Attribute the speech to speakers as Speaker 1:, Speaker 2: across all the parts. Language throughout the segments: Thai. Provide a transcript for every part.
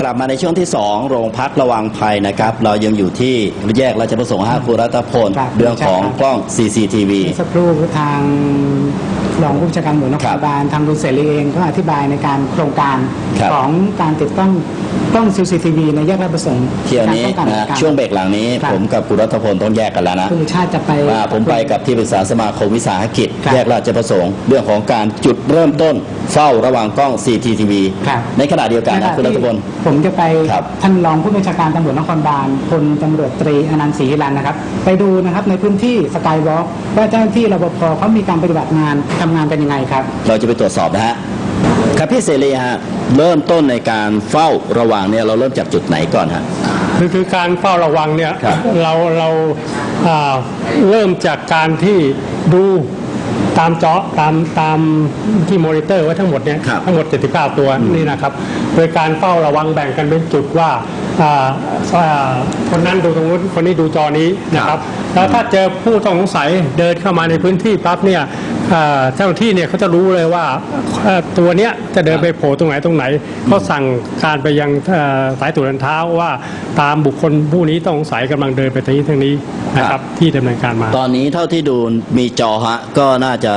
Speaker 1: ลับมาในช่วงที่2โรงพักระวังภัยนะครับเรายังอยู่ที่แยกราชประสงค์5ครูรัตพลเรื่องของกล้อง CCTV
Speaker 2: สักครู่ทางรองผู้บัญชาการตำรวจนครบาลทางคุณเสรีเองก็อธิบายในการโครงการของการติดตั้งกล้อง CCTV ในแยกราชประสงค์
Speaker 1: เที่ยวนี้นะช่วงเบรกหลังนี้ผมกับครูรัตพลต้องแยกกันแล้วนะ
Speaker 2: คุณชาติจะไป
Speaker 1: ผมไปกับที่ปรึกษาสมาคมวิสาหกิจแยกราชประสงค์เรื่องของการจุดเริ่มต้นเฝ้าระวังกล้อง CCTV ในขณะเดียวกันนะคุณรัตพล
Speaker 2: ผมจะไปท่านรองผู้บัญชาการตำรวจนครบาลพลตำรวจตรีอนันต์ศรีรันนะครับไปดูนะครับในพื้นที่สกายวอล์กว่าเจ้าหน้าที่รปภเขามีการปฏิบัติงานทำงานเป็นยังไงครับ
Speaker 1: เราจะไปตรวจสอบนะฮะครับพี่เสรีฮะเริ่มต้นในการเฝ้าระวังเนี่ยเราเริ่มจากจุดไหนก่อนฮะ
Speaker 3: คือการเฝ้าระวังเนี่ยเราเริ่มจากการที่ดูตามจอตามที่มอนิเตอร์ไว้ทั้งหมดเนี่ยทั้งหมด79ตัวนี่นะครับโดยการเฝ้าระวังแบ่งกันเป็นจุดว่าคนนั้นดูตรงนู้นคนนี้ดูจอนี้นะครับแล้วถ้าเจอผู้ต้องสงสัยเดินเข้ามาในพื้นที่ปั๊บเนี่ยเจ้าหน้าที่เนี่ยเขาจะรู้เลยว่าตัวเนี้ยจะเดินไปโผล่ตรงไหนเขาสั่งการไปยังสายตรวจเดินเท้าว่าตามบุคคลผู้นี้ต้องสงสัยกำลังเดินไปทางนี้นะครับที่ดำเนินการมา
Speaker 1: ตอนนี้เท่าที่ดูมีจอฮะก็น่าจะ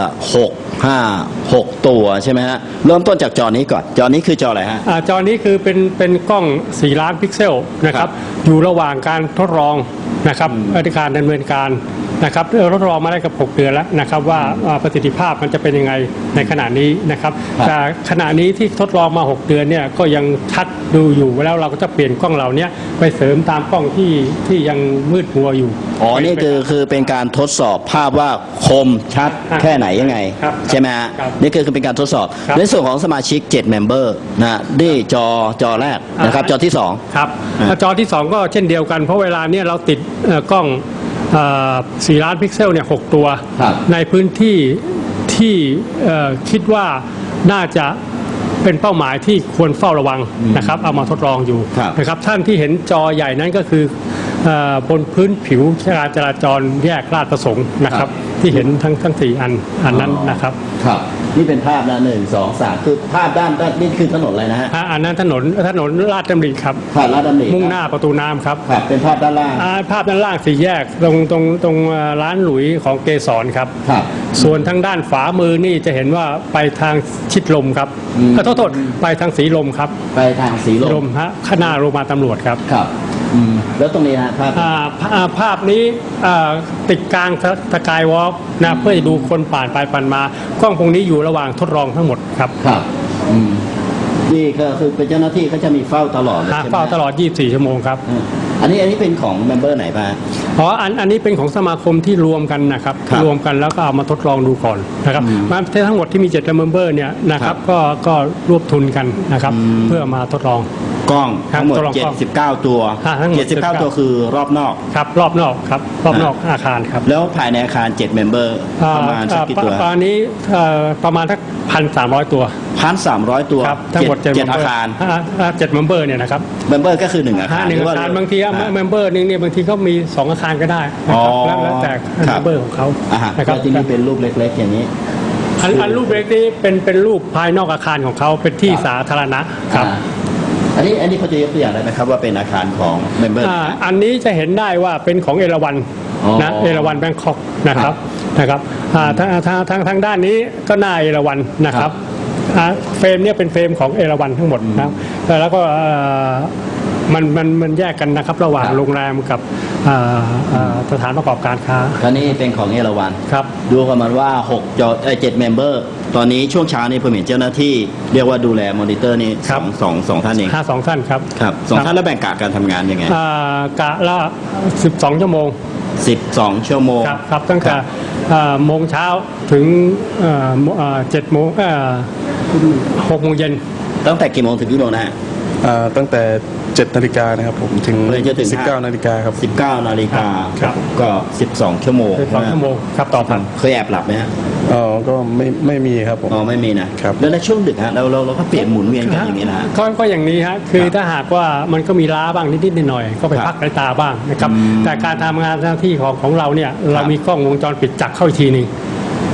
Speaker 1: 6 ตัวใช่ไหมฮะเริ่มต้นจากจอนี้ก่อนจอนี้คือจออะไรฮะ
Speaker 3: จอนี้คือเป็นกล้อง4 ล้านพิกเซลนะครับอยู่ระหว่างการทดลองนะครับอธิการดำเนินการนะครับทดลองมาได้กับ6 เดือนแล้วนะครับว่าประสิทธิภาพมันจะเป็นยังไงในขณะนี้นะครับแต่ขณะนี้ที่ทดลองมา6 เดือนเนี่ยก็ยังชัดดูอยู่แล้วเราก็จะเปลี่ยนกล้องเหล่านี้ไปเสริมตามกล้องที่ยังมืดมัวอยู่
Speaker 1: นี่คือเป็นการทดสอบภาพว่าคมชัดแค่ไหนยังไงใช่ไหมฮะนี่คือเป็นการทดสอบในส่วนของสมาชิก7 เมมเบอร์นะนี่จอแรกนะครับจอที่2
Speaker 3: ครับจอที่2ก็เช่นเดียวกันเพราะเวลาเนี่ยเราติดกล้อง4 ล้านพิกเซลเนี่ย6 ตัวในพื้นที่ที่คิดว่าน่าจะเป็นเป้าหมายที่ควรเฝ้าระวังนะครับเอามาทดลองอยู่นะครับท่านที่เห็นจอใหญ่นั้นก็คือบนพื้นผิวการจราจรแยกราชประสงค์นะครับที่เห็นทั้ง4 อันนั้นนะครับ
Speaker 1: นี่เป็นภาพนะ1 2 3คือภาพด้านนี่คือถนนอะไรนะฮะ
Speaker 3: อันนั้นถนนราชดำริครับ
Speaker 1: ราชดำริ
Speaker 3: มุ่งหน้าประตูน้ำครับ
Speaker 1: เป็นภาพด้านล่าง
Speaker 3: ภาพด้านล่าง4 แยกตรงร้านหลุยของเกสรครับส่วนทางด้านฝามือนี่จะเห็นว่าไปทางชิดลมครับโทษไปทางสีลมครับ
Speaker 1: ไปทางสีลม
Speaker 3: ฮะข้างหน้าโรงพยาบาลตำรวจครับ
Speaker 1: แล้วตรงนี้ฮะ
Speaker 3: ภาพนี้ติดกลางสกายวอล์กนะเพื่อจะดูคนผ่านไปผ่านมากล้องพวกนี้อยู่ระหว่างทดลองทั้งหมดครับ
Speaker 1: นี่ก็คือเป็นเจ้าหน้าที่เขาจะมีเฝ้าตลอด
Speaker 3: เฝ้าตลอด24 ชั่วโมงครับ
Speaker 1: อันนี้เป็นของเมมเบอร์ไหนบ้าง
Speaker 3: อันนี้เป็นของสมาคมที่รวมกันนะครับรวมกันแล้วก็เอามาทดลองดูก่อนนะครับทั้งหมดที่มี7 เมมเบอร์เนี่ยนะครับก็รวบทุนกันนะครับเพื่อมาทดลอง
Speaker 1: กล้องทั้งหมด79 ตัว79 ตัวคือรอบนอก
Speaker 3: ครับรอบนอกครับรอบนอกอาคารครับ
Speaker 1: แล้วภายในอาคาร7 เมมเบอร์ประมาณกี่ตัว
Speaker 3: ตอนนี้ประมาณสัก1,300 ตัว
Speaker 1: 1,300 ตัว
Speaker 3: ทั้งหมด
Speaker 1: 7 อาคาร
Speaker 3: 7 เมมเบอร์เนี่ยนะครับ
Speaker 1: เมมเบอร์ก็คือ1 อาคาร
Speaker 3: บางทีเมมเบอร์นึงเนี่ยบางทีก็มี2 อาคารก็ได้นะครับแล้วแต่เมมเบอร์ของเขา
Speaker 1: นะครับที่นี่เป็นรูปเล็กๆอย่างนี้
Speaker 3: อันรูปเล็กนี้เป็นรูปภายนอกอาคารของเขาเป็นที่สาธารณะครับ
Speaker 1: อันนี้เขาจะยกตัวอย่างได้ไหมครับว่าเป็นอาคารของเมมเบอร์
Speaker 3: อันนี้จะเห็นได้ว่าเป็นของเอราวัณนะเอราวัณแบงคอกนะครับทางด้านนี้ก็หน้าเอราวัณนะครับเฟรมเนี่ยเป็นเฟรมของเอราวัณทั้งหมดนะแล้วก็มันแยกกันนะครับระหว่างโรงแรมกับสถานประกอบการค้า
Speaker 1: คราวนี้เป็นของเอราวัณ
Speaker 3: ครับ
Speaker 1: ดูกันมาว่า7 เมมเบอร์ตอนนี้ช่วงเช้านี้ผมเห็นเจ้าหน้าที่เรียกว่าดูแลมอนิเตอร์นี่สองท่านเอง
Speaker 3: 2 ท่านครับ
Speaker 1: 2 ท่านแล้วแบ่งกะการทำงานยังไง
Speaker 3: กะละ12 ชั่วโมง
Speaker 1: 12 ชั่วโมง
Speaker 3: ครับตั้งแต่โมงเช้าถึง7 โมง6 โมงเย็น
Speaker 1: ตั้งแต่กี่โมงถึงกี่โมงนะฮะ
Speaker 4: ตั้งแต่7 นาฬิกานะครับผมถึง19 นาฬิกาครับ
Speaker 1: 19 นาฬิกาก็12 ชั่วโมง
Speaker 3: ครับต่อพัน
Speaker 1: เคยแอบหลับไหมฮะ
Speaker 4: ก็ไม่มีครับผม
Speaker 1: ไม่มีนะครับแล้วในช่วงดึกฮะเราก็เปลี่ยนหมุนเวียนกันอย่างนี้นะ
Speaker 3: ก็อย่างนี้ฮะคือถ้าหากว่ามันก็มีล้าบ้างนิดหน่อยก็ไปพักสายตาบ้างนะครับแต่การทำงานหน้าที่ของเราเนี่ยเรามีกล้องวงจรปิดจับเข้าอีกทีนึง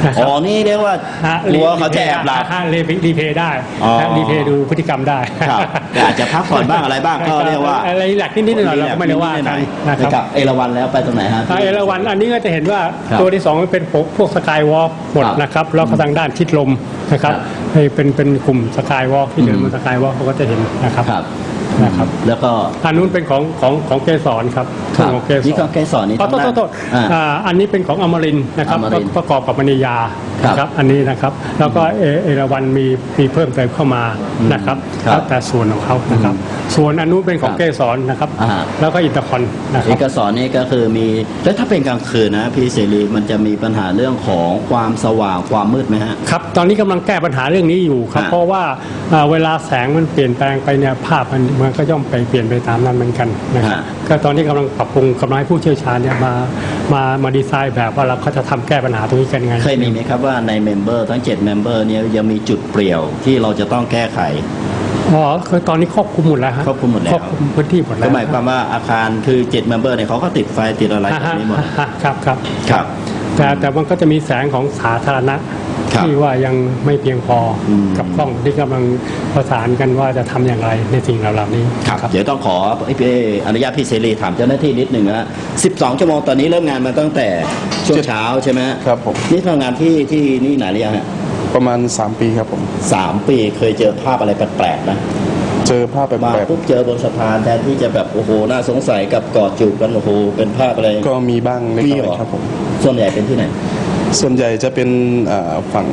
Speaker 1: อ๋อนี่เรียกว่ากลัวเขาจะแอบหลับ
Speaker 3: รีเพย์ได้
Speaker 1: อ๋อ
Speaker 3: รีเพย์ดูพฤติกรรมได้
Speaker 1: ครับแต่อาจจะพักผ่อนบ้างอะไรบ้างก็เรียกว่า
Speaker 3: อะไรหลักนิดๆหน่อยๆเราก็ไม่ได้ว่ากันนะค
Speaker 1: ค
Speaker 3: รั
Speaker 1: รับ บเอราวัณแล้วไปตรงไหนฮะ
Speaker 3: เอราวัณอันนี้ก็จะเห็นว่า
Speaker 1: ครับ
Speaker 3: ตัวที่สองมันเป็นพวกสกายวอล์กหมด
Speaker 1: ครับ
Speaker 3: นะครับแล้วก็ทางด้านชิดลมนะครับ
Speaker 1: ครับ
Speaker 3: ให้เป็นกลุ่มสกายวอล์กที่เดินบนสกายวอล์กเขาก็จะเห็นนะครับ
Speaker 1: ครับ
Speaker 3: นะครับ
Speaker 1: แล้วก็
Speaker 3: อันนู้นเป็นของเกสรครับ
Speaker 1: ครับ
Speaker 3: ของเกสร
Speaker 1: นี่ของเกสรนี่
Speaker 3: โทษ
Speaker 1: ทางด้าน
Speaker 3: โทษ อันนี้เป็นของอมรินทร์นะครับ
Speaker 1: อมรินทร์
Speaker 3: ประกอบกับมณียา
Speaker 1: ครับ
Speaker 3: นะครับอันนี้นะครับแล้วก็เอราวัณมีเพิ่มเติมเข้ามานะครับ
Speaker 1: ครับ
Speaker 3: แล้วแต่ส่วนของเขานะครับ ส่วนอันนู้นเป็นของ
Speaker 1: ครับ
Speaker 3: เกสรนะครับ
Speaker 1: อ่า
Speaker 3: แล้วก็อินเตอร์คอนนะค
Speaker 1: เอ
Speaker 3: รับ
Speaker 1: กสรนี่ก็คือมีแล้วถ้าเป็นกลางคืนนะพี่เสรีมันจะมีปัญหาเรื่องของความสว่างความมืดไหมฮะ
Speaker 3: ครับตอนนี้กำลังแก้ปัญหาเรื่องนี้อยู่ครับ
Speaker 1: อ่า
Speaker 3: เพราะว่าเวลาแสงมันเปลี่ยนแปลงไปเนี่ยภาพมันก็ย่อมไปเปลี่ยนไปตามนั้นเหมือนกันนะครับก็ตอนนี้กำลังปรับปรุงกำลังให้ผู้เชี่ยวชาญเนี่ยมาดีไซน์แบบว่าเราก็จะทำแก้ปัญหาตรงนี้กันยังไง
Speaker 1: เคยมีไหมครับว่าในเมมเบอร์ทั้ง7เมมเบอร์เนี่ยยังมีจุดเปลี่ยวที่เราจะต้องแก้ไข
Speaker 3: อ๋อคือตอนนี้ครอบคลุมหมดแล้วฮะ
Speaker 1: ครอบคลุมหมดแล้ว
Speaker 3: ครอบคลุมพื้นที่หมดแล้
Speaker 1: ก็
Speaker 3: ว
Speaker 1: หมายความว่าอาคารคือ7เมมเบอร์เนี่ยเขาก็ติดไฟติดอะไรแบบนี้หมด
Speaker 3: ครับครับ
Speaker 1: ครับ
Speaker 3: แต่มันก็จะมีแสงของสาธารณะ
Speaker 1: ครับ
Speaker 3: ที่ว่ายังไม่เพียงพออ
Speaker 1: ม
Speaker 3: กับกล้องที่กำลังประสานกันว่าจะทำอย่างไรในสิ่งเหล่านี้
Speaker 1: ครับเดี๋ยวต้องขอพี่อนุญาตพี่เสรีถามเจ้าหน้าที่นิดหนึ่งนะ12 ชั่วโมงตอนนี้เริ่มงานมาตั้งแต่ช่วงเช้าใช่ไหมฮะ
Speaker 4: ครับผม
Speaker 1: นี่ทำงานที่นี่นานหรือยังฮะ
Speaker 4: ประมาณ 3 ปีครับผม
Speaker 1: 3 ปีเคยเจอภาพอะไรแปลกๆนะ
Speaker 4: เจอภาพแป
Speaker 1: มา
Speaker 4: ลก
Speaker 1: ปุ๊บเจอบนสะพานแทนที่จะแบบโอ้โหน่าสงสัยกับกอดจูบกันโอ้โหเป็นภาพอะไร
Speaker 4: ๆก็มีบ้างเล็ก
Speaker 1: มี
Speaker 4: น้
Speaker 1: เหร
Speaker 4: อ
Speaker 1: อย
Speaker 4: ครับผม
Speaker 1: ส่วนใหญ่เป็นที่ไหน
Speaker 4: ส่วนใหญ่จะเป็นฝั่ง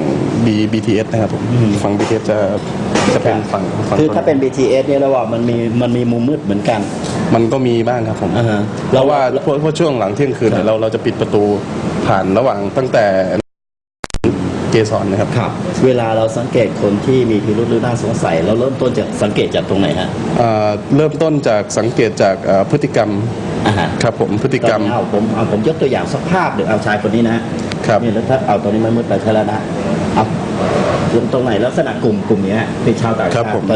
Speaker 4: BTS นะครับผม
Speaker 1: อืม
Speaker 4: ฝั่ง BTS จะเป็นฝั่ง
Speaker 1: คือถ้าเป็น BTS เนี่ยเราว่ามันมีมุมมืดเหมือนกัน
Speaker 4: มันก็มีบ้างครับผม
Speaker 1: อ่าฮะ
Speaker 4: เพราะว่าเพราะช่วงหลังเที่ยงคืนเนี่ยเราจะปิดประตูผ่านระหว่างตั้งแต่เกสรนะครับ
Speaker 1: ครับ เวลาเราสังเกตคนที่มีพิรุธหรือน่าสงสัยเราเริ่มต้นจากสังเกตจากตรงไหนฮะ
Speaker 4: เริ่มต้นจากสังเกตจากพฤติกรรม
Speaker 1: อ่าฮะ
Speaker 4: ครับผมพฤติกรรม
Speaker 1: เอาผมยกตัวอย่างสักภาพเดี๋ยวเอาชายคนนี้นะฮะ
Speaker 4: ครับ
Speaker 1: นี่แล้วถ้าเอาตรงนี้มันมืดไปใช่แล้วนะเอาตรงไหนลักษณะกลุ่มเนี้ยเป็นชาวต่าง
Speaker 4: ครั
Speaker 1: ชา
Speaker 4: บผม
Speaker 1: ติ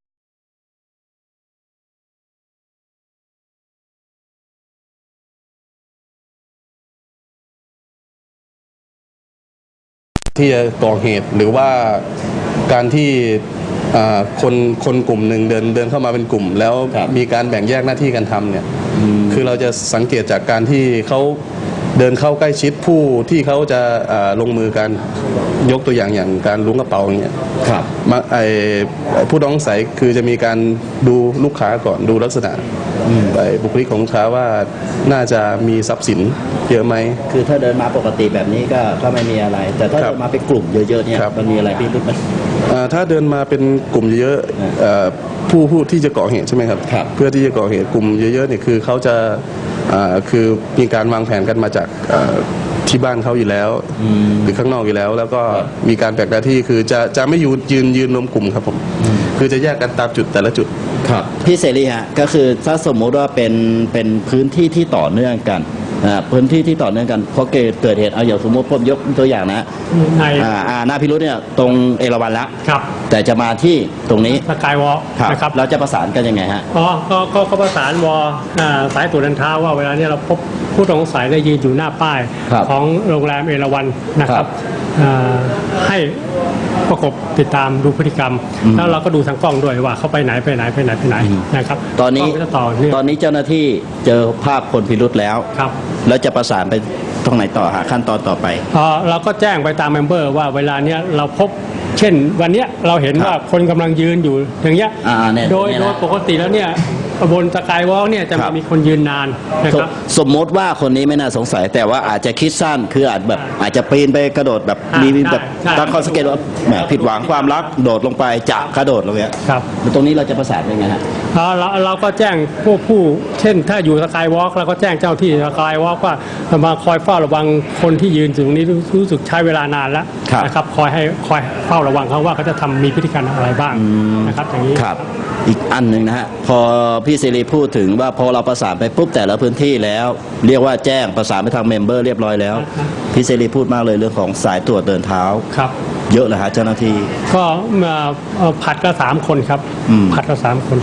Speaker 4: ที่จะก่อเหตุหรือว่าการที่คนกลุ่มหนึ่งเดินเข้ามาเป็นกลุ่ม แล้วมีการแบ่งแยกหน้าที่กันทำเนี่ยคือเราจะสังเกตจากการที่เขาเดินเข้าใกล้ชิดผู้ที่เขาจะลงมือการยกตัวอย่างการล้วงกระเป๋าอย่างเงี้ย
Speaker 1: ครับ
Speaker 4: ผู้ต้องสงสัยคือจะมีการดูลูกค้าก่อนดูลักษณะบุคลิกของลูกค้าว่าน่าจะมีทรัพย์สินเยอะไหม
Speaker 1: คือถ้าเดินมาปกติแบบนี้ก็ไม่มีอะไร แต่ถ้า
Speaker 4: ครับ
Speaker 1: เดินมาเป็นกลุ่มเยอะๆเนี่ย
Speaker 4: ครับ
Speaker 1: มันมีอะไรพิรุธไหม
Speaker 4: ถ้าเดินมาเป็นกลุ่มเยอะๆผู้ที่จะก่อเหตุใช่ไหมครับ
Speaker 1: ครับ
Speaker 4: เพื่อที่จะก่อเหตุกลุ่มเยอะๆเนี่ยคือเขาจะคือมีการวางแผนกันมาจากที่บ้านเขาอยู่แล้วหรือข้างนอกอยู่แล้ว แล้วก็มีการแบ่งหน้าที่คือจะไม่ยืนรวมกลุ่มครับผมคือจะแยกกันตามจุดแต่ละจุด
Speaker 1: ครับพี่เสรีฮะก็คือถ้าสมมุติว่าเป็นพื้นที่ที่ต่อเนื่องกันพื้นที่ที่ต่อเนื่องกันเพราะเกิดเหตุเอาอย่างสมมติผมยกตัวอย่างนะ
Speaker 3: ใน
Speaker 1: หน้าพิรุธเนี่ยตรงเอราวัณละ
Speaker 3: ครับ
Speaker 1: แต่จะมาที่ตรงนี้
Speaker 3: สกายวอล์กนะครับ
Speaker 1: เราจะประสานกันยังไงฮะ
Speaker 3: อ๋อก็ประสานสายตรวจเดินเท้าว่าเวลาเนี้เราพบผู้ต้องสงสัยได้ยืนอยู่หน้าป้าย
Speaker 1: ครับ
Speaker 3: ของโรงแรมเอราวัณนะค
Speaker 1: ครั
Speaker 3: รั
Speaker 1: บบ
Speaker 3: ให้ประกบติดตามดูพฤติกรรม แล้วเราก็ดูทางกล้องด้วยว่าเขาไปไหนนะครับ
Speaker 1: ตอนนี้
Speaker 3: กล้งก็จะต่อเนื่อง
Speaker 1: ตอนนี้เจ้าหน้าที่เจอภาพคนพิรุธแล้ว
Speaker 3: ครับ
Speaker 1: แล้วจะประสานไปตรงไหนต่อหาขั้นตอนต่อไป
Speaker 3: เราก็แจ้งไปตามเมมเบอร์ว่าเวลาเนี้ยเราพบเช่นวันเนี้ยเราเห็น
Speaker 1: ครับ
Speaker 3: ว่าคนกำลังยืนอยู่อย่างเงี้ย
Speaker 1: เนี่ย
Speaker 3: โดย
Speaker 1: เนี่ยนะ
Speaker 3: ปกติแล้วเนี่ยบนสกายวอล์กเนี่ยจะ
Speaker 1: ครับ
Speaker 3: มีคนยืนนานนะครับ
Speaker 1: สมมติว่าคนนี้ไม่น่าสงสัย แต่ว่าอาจจะคิดสั้นคืออาจจะปีนไปกระโดดแบบ
Speaker 3: ใช่
Speaker 1: มีแบบ
Speaker 3: ใช่
Speaker 1: ตั้งข้อสังเกตว่าแหมผิดหวังความรักโดดลงไปจะกระโดดลงเงี้ย
Speaker 3: ครับ
Speaker 1: ตรงนี้เราจะประสานยังไงฮะ
Speaker 3: เราก็แจ้งผู้เช่นถ้าอยู่สกายวอล์กเราก็แจ้งเจ้าที่สกายวอล์กว่ามาคอยเฝ้าระวังคนที่ยืนอยู่ตรงนี้รู้สึกใช้เวลานานแล้ว
Speaker 1: ครับ
Speaker 3: นะครับคอยเฝ้าระวังเขาว่าเขาจะทำมีพฤติกรรมอะไรบ้างนะครับอย่างนี้
Speaker 1: ครับอีกอันหนึ่งนะฮะพอพี่สิริพูดถึงว่าพอเราประสานไปปุ๊บแต่ละพื้นที่แล้ว เรียกว่าแจ้งประสานไปทางเมมเบอร์เรียบร้อยแล้วพี่สิริพูดมากเลยเรื่องของสายตรวจเดินเท้า
Speaker 3: ครับ
Speaker 1: เยอะเลยฮะเจ้าหน้าที่
Speaker 3: ก็ผัดก็3 คนครับ
Speaker 1: อืม
Speaker 3: ผัดก็3 คน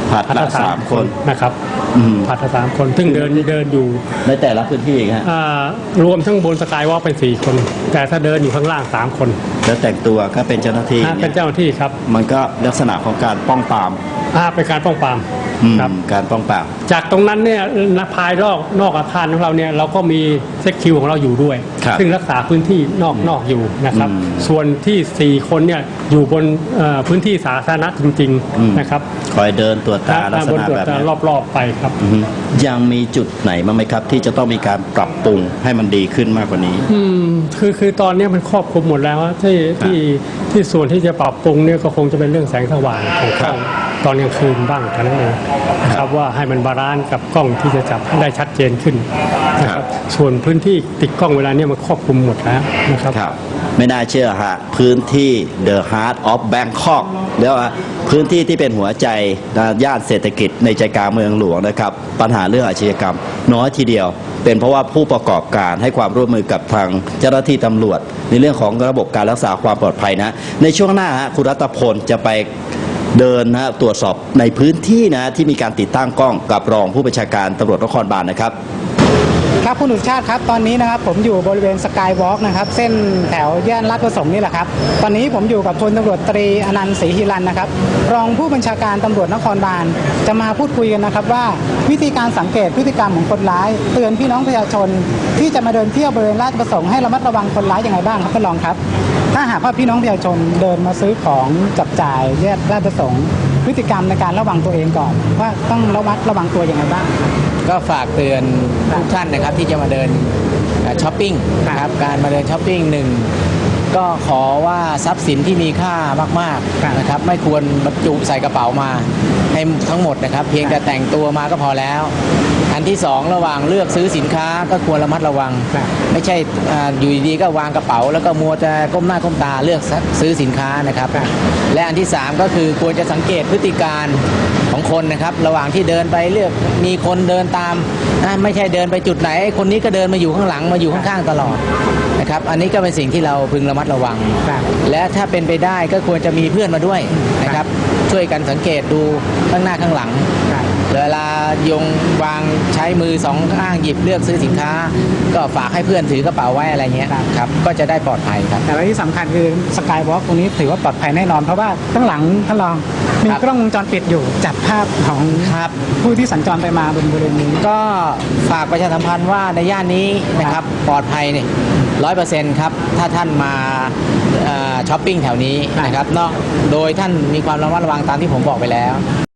Speaker 1: ผัดละ3 คน
Speaker 3: นะครับ
Speaker 1: อืม
Speaker 3: ผัดละ3 คนซึ่งเดินอยู่
Speaker 1: ในแต่ละพื้นที่ฮะ
Speaker 3: รวมทั้งบนสกายวอล์กเป็น4 คน แต่ถ้าเดินอยู่ข้างล่าง3 คน
Speaker 1: แล้วแต่งตัวก็เป็นเจ้าหน้าที่
Speaker 3: เป็นเจ้าหน้าที่ครับ
Speaker 1: มันก็ลักษณะของการป้องปราม
Speaker 3: เป็นการป้องปราม ครับ
Speaker 1: การป้องปราม
Speaker 3: จากตรงนั้นเนี่ยภายนอกอาคารของเราเนี่ยเราก็มีเซ็กคิวของเราอยู่ด้วย
Speaker 1: ครับ
Speaker 3: ซึ่งรักษาพื้นที่นอกอยู่นะครับ ส่วนที่4 คนเนี่ยอยู่บนพื้นที่สาธารณะจริงๆนะครับ
Speaker 1: คอยเดินตรวจตาลักษ
Speaker 3: บน
Speaker 1: ณะ
Speaker 3: ตรวจ
Speaker 1: แบบ
Speaker 3: ตา
Speaker 1: นี้
Speaker 3: รอบๆไปครับ
Speaker 1: ยังมีจุดไหนบ้างไหมครับ ที่จะต้องมีการปรับปรุงให้มันดีขึ้นมากกว่านี้
Speaker 3: คือตอนนี้มันครอบคลุมหมดแล้วที่ส่วนที่จะปรับปรุงเนี่ยก็คงจะเป็นเรื่องแสงสว่างของกล้องตอนกลางคืนบ้างเท่านั้นเองนะครับว่าให้มันบาลานซ์กับกล้องที่จะจับได้ชัดเจนขึ้นนะครับส่วนพื้นที่ติดกล้องเวลาเนี่ยมันครอบคลุมหมดแล้วนะครับ
Speaker 1: ครับ ไม่น่าเชื่อฮะพื้นที่ The Heart of Bangkok เรียกว่าพื้นที่ที่เป็นหัวใจย่านเศรษฐกิจในใจกลางเมืองหลวงนะครับ ปัญหาเรื่องอาชญากรรมน้อยทีเดียว เป็นเพราะว่าผู้ประกอบการให้ความร่วมมือกับทางเจ้าหน้าที่ตำรวจ ในเรื่องของระบบการรักษาความปลอดภัยนะ ในช่วงหน้าฮะคุณรัตพลจะไปเดินนะตรวจสอบในพื้นที่นะที่มีการติดตั้งกล้องกับรองผู้บัญชาการตำรวจนครบาลนะครับ
Speaker 2: ครับคุณสุชาติครับตอนนี้นะครับผมอยู่บริเวณสกายวอล์กนะครับเส้นแถวย่านลาดประสงค์นี่แหละครับตอนนี้ผมอยู่กับพลตำรวจตรีอนันต์ศรีหิรันนะครับรองผู้บัญชาการตำรวจนครบาลจะมาพูดคุยกันนะครับว่าวิธีการสังเกตพฤติกรรมของคนร้ายเตือนพี่น้องประชาชนที่จะมาเดินเที่ยวบริเวณลาดประสงค์ให้ระมัดระวังคนร้ายยังไงบ้างครับท่านรองครับถ้าหากว่าพี่น้องประชาชนเดินมาซื้อของจับจ่ายแยกลาดประสงค์พฤติกรรมในการระวังตัวเองก่อนว่าต้องระวังตัวยังไงบ้าง
Speaker 5: ก็ฝากเตือนทุกท่านนะครับที่จะมาเดินช้อปปิ้งนะครับการมาเดินช้อปปิ้งหนึ่งก็ขอว่าทรัพย์สินที่มีค่ามากๆนะครับไม่ควรบรรจุใส่กระเป๋ามาให้ทั้งหมดนะครับเพียงแต่แต่งตัวมาก็พอแล้วอันที่สองระหว่างเลือกซื้อสินค้าก็ควรระมัดระวังไม่ใช่อยู่ดีๆก็วางกระเป๋าแล้วก็มัวจะก้มหน้าก้มตาเลือกซื้อสินค้านะครับและอันที่สามก็คือควรจะสังเกตพฤติการของคนนะครับระหว่างที่เดินไปเลือกมีคนเดินตามไม่ใช่เดินไปจุดไหนคนนี้ก็เดินมาอยู่ข้างหลังมาอยู่ข้างๆตลอดนะครับอันนี้ก็เป็นสิ่งที่เราพึงระมัดระวังและถ้าเป็นไปได้ก็ควรจะมีเพื่อนมาด้วยนะครับช่วยกันสังเกตดูข้างหน้าข้างหลังเวลายงวางใช้มือสองข้างหยิบเลือกซื้อสินค้าก็ฝากให้เพื่อนถือกระเป๋าไว้อะไรเงี้ยครับก็จะได้ปลอดภัยครับ
Speaker 2: แต่ว่าที่สำคัญคือสกายวอล์กตรงนี้ถือว่าปลอดภัยแน่นอนเพราะว่าข้างหลังท่านรองมีกล้องวงจรปิดอยู่จับภาพของผู้ที่สัญจรไปมาบนบริเวณนี้
Speaker 5: ก็ฝากประชาสัมพันธ์ว่าในย่านนี้นะครับปลอดภัยเนี่ย100%ครับถ้าท่านมาช้อปปิ้งแถวนี้นะครับนอกโดยท่านมีความระมัดระวังตามที่ผมบอกไปแล้ว